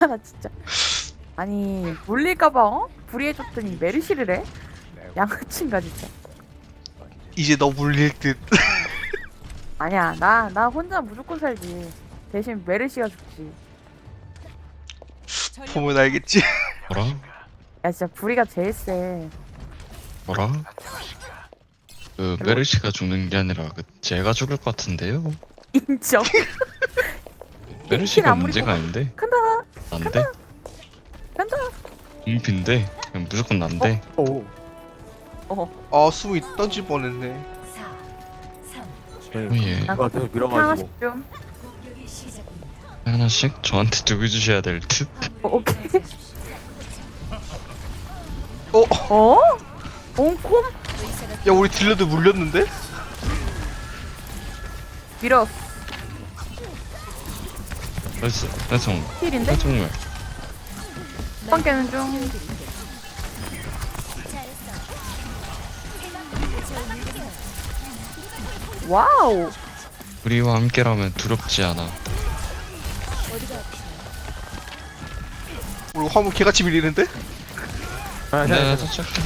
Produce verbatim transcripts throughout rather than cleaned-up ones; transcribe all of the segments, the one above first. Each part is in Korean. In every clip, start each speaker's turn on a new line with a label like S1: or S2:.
S1: 나 진짜. 아니 물릴까봐 어? 불이해줬더니 메르시를 해? 양아친가 진짜.
S2: 이제 너 물릴 듯.
S1: 아니야 나 나 혼자 무조건 살지. 대신 메르시가 죽지.
S2: 보면 알겠지.
S3: 뭐라?
S1: 야 진짜 불이가 제일 세.
S3: 뭐라? 그 메르시가 죽는 게 아니라 그 제가 죽을 것 같은데요?
S1: 인정.
S3: 메르시가
S1: 아무리
S3: 문제가
S1: 보고-
S3: 아닌데?
S1: 간다
S3: 난데?
S1: 간다.
S3: 인피인데? 그냥 무조건 난데?
S4: 오.
S1: 어
S2: 아 수미 던질 뻔했네.
S4: 네.
S3: 예.
S4: 누가 계속 밀어가지고.
S1: 하나씩 좀.
S3: 하나씩 저한테 두고 주셔야 될 듯?
S1: 어, 오케이.
S2: 어?
S1: 어? 옹콤?
S2: 야 우리 딜러도 물렸는데?
S1: 밀어.
S3: 나이스 나이스
S1: 힐인데?
S3: 나이스 정말
S1: 빵 깨는 중. 와우.
S3: 우리와 함께라면 두렵지 않아.
S2: 우리 화물 개같이 밀리는데?
S4: 아,
S3: 내가
S4: 네.
S3: 터치할게.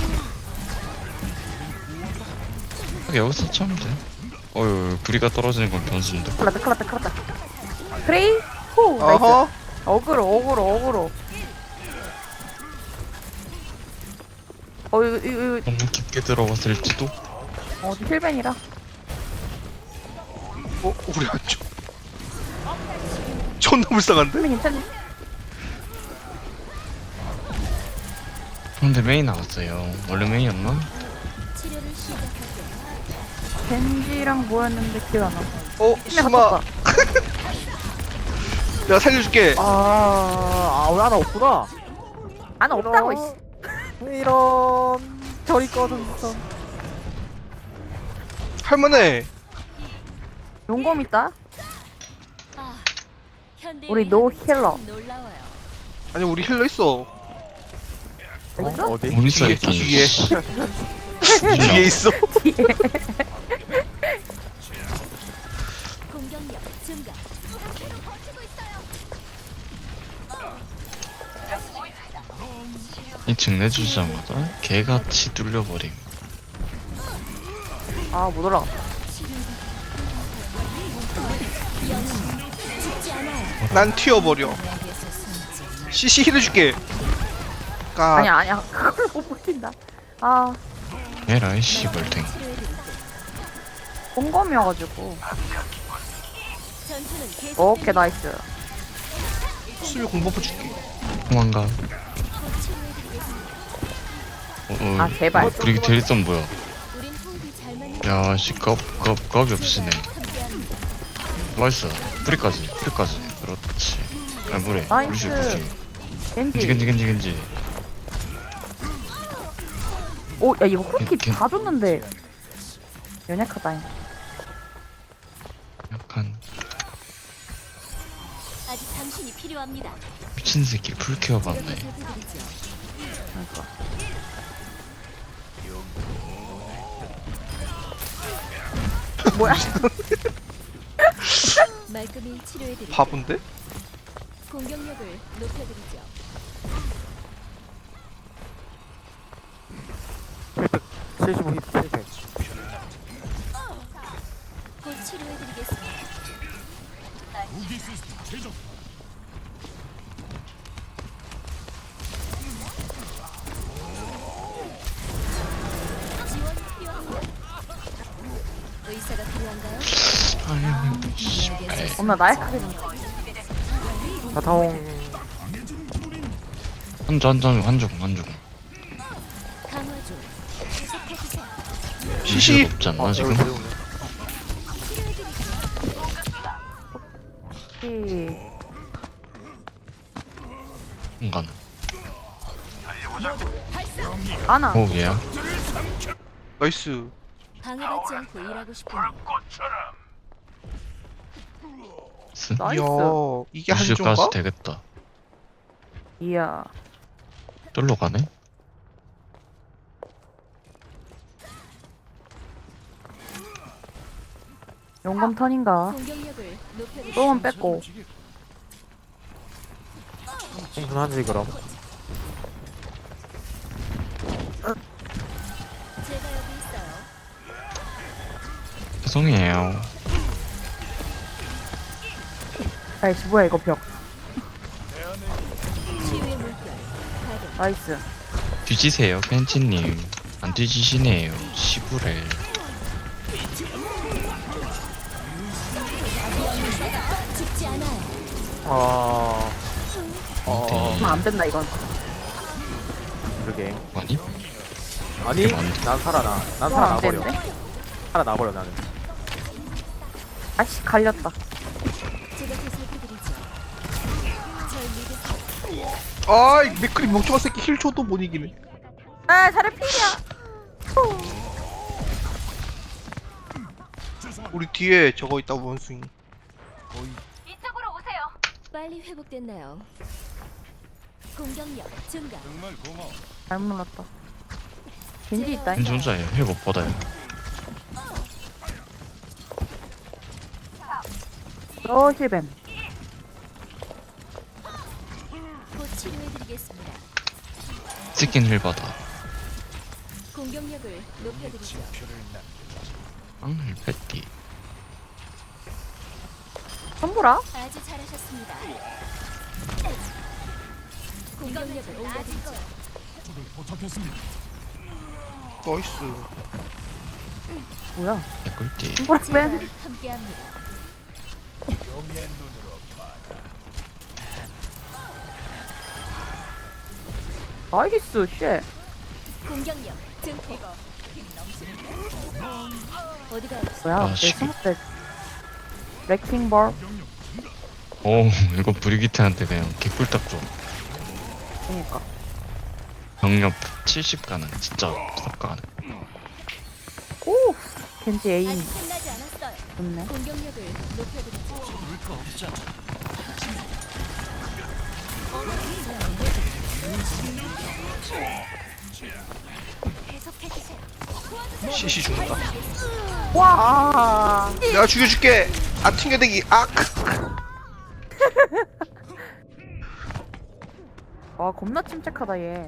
S3: 여기서 터치하면 돼. 어휴 부리가 떨어지는 건 변수인데.
S1: 큰일 났다 큰일 났다 큰일 났다. 프레이? 호 나이스.
S2: 어허.
S1: 어그로 어그로 어그로. 어 이거 이거 이거
S3: 너무 깊게 들어갔을지도.
S1: 어 힐벤이라.
S2: 어? 우리 안 줘. 존나 불쌍한데?
S1: 힐벤 괜찮니?
S3: 근데 메인 나왔어요. 원래 메인이었나?
S1: 겐지랑 뭐였는데 기억 안 나.
S2: 어?
S1: 힐벤
S2: 수마
S1: 갔다.
S2: 내가 살려줄게.
S4: 아, 아, 왜 하나 없구나.
S1: 안 없다고 이씨.
S4: 이런. 저리 꺼졌어.
S2: 할만해.
S1: 용검 있다.
S5: 아,
S1: 우리 노 힐러.
S5: 놀라워요.
S2: 아니 우리 힐러 있어.
S1: 있어?
S4: 어, 어디?
S3: 못 있어
S2: 뒤에,
S3: 있긴.
S2: 뒤에. 뒤에 있어.
S1: 뒤에.
S5: 공격력 증가.
S3: 이 층 내주자마자 개같이 뚫려버림.
S1: 아 못 올라가.
S2: 난 튀어버려. 씨씨 힐해줄게. 까.
S1: 아니야 아니야 그걸 못 버틴다. 아
S3: 에라이 씨발탱.
S1: 공검이어가지고.
S5: 전투는 계속.
S1: 오케이 나이스.
S2: 수미 공버프 줄게.
S3: 도망가. 어, 어,
S1: 아, 제발.
S3: 브리기 델리선 뭐야?
S5: 우린 호흡이 잘 맞는
S3: 야씨 겁겁 겁이 없으네.
S5: 함께합니다.
S3: 나이스. 브리까지 브리까지. 그렇지. 아 뭐래?
S1: 나이스.
S3: 루시 루시.
S1: 겐지.
S3: 겐지 겐지 겐지 겐지.
S1: 오야 이거 후키
S3: 겐-
S1: 다 줬는데 연약하다.
S3: 약간
S5: 아직 당신이 필요합니다.
S3: 미친 새끼 풀케어 받네.
S5: 살펴드리죠.
S1: 그러니까. 뭐야?
S5: 말끔히 치료해드리죠.
S2: 바본데?
S5: 공격력을 높여드리죠.
S4: 칠십오 힙, 칠백.
S5: 곧 치료해드리겠습니다. 지원 필요합니다. 의사가 필요한가요?
S3: 아유 씨발.
S1: 겁나 나약하게 좀.
S4: 자타옹.
S3: 한조 한조 한조 한조.
S5: 강화 중. 계속해주세요.
S2: 시시.
S3: 시시 없지 않나
S4: 아,
S3: 지금?
S4: 여기 들어오네.
S1: 후키.
S3: 공간.
S1: 아나.
S3: 오 얘야.
S2: 나이스.
S5: 방해받지 않고 일하고 싶군요.
S3: 스.
S1: 나이스.
S2: 이야 이게
S3: 루시까지
S2: 한조인가?
S3: 되겠다.
S1: 이야.
S3: 쫄로 가네?
S1: 용검 턴인가?
S5: 공격력을 높여드리죠.
S1: 똥은 뺐고.
S4: 충분하지 그럼.
S5: 제가 여기 있어요.
S3: 죄송해요.
S1: 아이씨 뭐야 이거 벽.
S5: 치유의 물결. 가동.
S1: 나이스.
S3: 뒤지세요, 팬치님. 안 뒤지시네요. 시부레.
S5: 죽지 않아요.
S4: 어. 어.
S1: 아, 안 된다 이건.
S4: 그러게.
S3: 아니?
S4: 아니,
S3: 이게 많네.
S4: 난 살아나. 난
S1: 이건 안
S4: 살아나버려.
S1: 되는데?
S4: 살아나버려 나는.
S1: 아씨 갈렸다.
S5: 제가 보살펴드리죠. 절 믿으세요.
S2: 아이 맥크리 멍청한 새끼 힐 줘도 못 이기네.
S1: 아 자리 필이야.
S2: 우리 뒤에 저거 있다 원숭이.
S5: 빨리 회복됐나요? 공격력 증가.
S1: 잘못 눌렀다. 겐지 있다.
S3: 팬 존자예요. 회복 받아요.
S1: 어 힐뱀.
S5: 곧 치료해드리겠습니다.
S3: 스킨 힐 받아.
S5: 공격력을 높여드리죠.
S3: 앙, 패티.
S1: 선보라?
S5: 아주 잘하셨습니다. 공격력을 올려드리죠.
S2: 나이스.
S1: 뭐야?
S3: 개꿀띠.
S1: 선보라
S5: 제가
S1: 뺀?
S5: 함께합니다.
S1: 나이스 쉣.
S5: 공격력 증폭. 어디가 없어?
S1: 뭐야?
S3: 아,
S1: 내
S3: 씨.
S1: 스무트 레킹볼.
S3: 오, 이거 브리기트한테 그냥 개꿀 딱 줘.
S1: 그니까.
S3: 병력 칠십 가능. 진짜 탑 가능.
S1: 오 겐지 에임
S5: 아직 끝나지 않았어요.
S1: 좋네.
S5: 공격력을 높여드리죠. 계속해주세요.
S2: 시시 죽는다.
S1: 와.
S2: 내가 죽여줄게. 아 튕겨대기. 아.
S1: 와 겁나 침착하다 얘.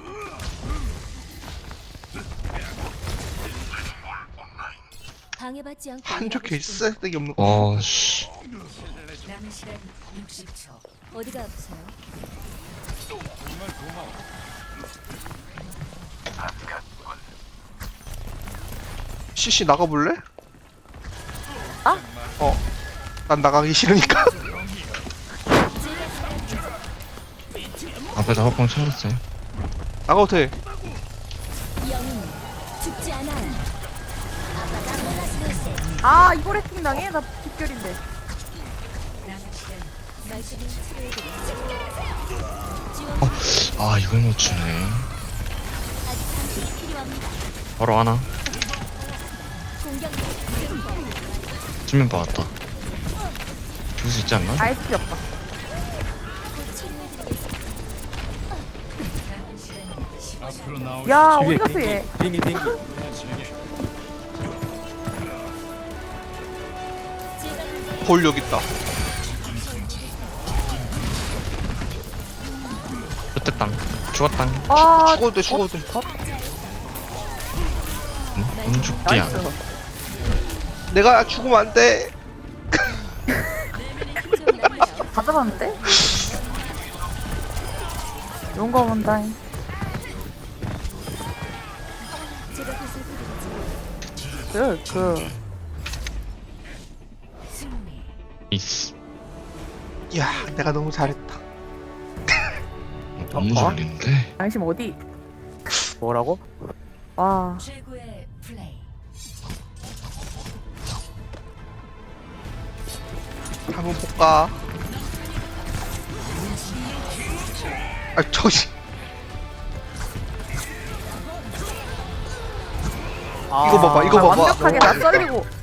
S5: 방해받지 않고
S2: 한쪽
S5: 일하고 싶은
S2: 개쓰레기 없는 거.
S3: 와, 씨.
S5: 어디가 아프세요?
S2: 시시 나가볼래?
S1: 아?
S2: 어. 난 나가기 싫으니까.
S3: 앞에다 화방 찾았어요.
S2: 나가도 돼.
S5: 영웅 죽지 않아요.
S1: 아 이거 레킹 당해? 나 빗결인데.
S5: 말씀을 치료해드리죠. 지원
S3: 어, 아, 이걸 못 주네.
S5: 아직 당신이 필요합니다.
S3: 바로 하나.
S5: 공격력 증폭.
S3: 수면 받았다. 죽을 수 있지 않나?
S1: 아예 필요 없다.
S5: 곧 치료해드리겠습니다.
S1: 야
S4: 뒤에
S1: 어디 갔어 얘?
S4: 빙기 빙기.
S5: 제가 보살펴-
S2: 볼 여기 있다.
S3: 어땠당? 죽었당.
S1: 아
S2: 죽어도 돼. 죽어도 돼.
S3: 응? 응, 죽디야.
S1: 나이스.
S2: 내가 죽으면 안 돼.
S5: 좀 날려.
S1: 다 잡았는데? 용거 본다잉.
S5: 제가 보살펴드리죠.
S1: 그 그.
S3: 이스.
S2: 야, 내가 너무 잘했다.
S3: 너무
S4: 어?
S3: 잘리는데?
S1: 당신 어디?
S4: 뭐라고?
S1: 와.
S2: 한번 볼까? 아, 저기.
S4: 아,
S2: 이거 봐봐, 이거
S1: 아,
S2: 봐봐.
S1: 완벽하게 나 썰리고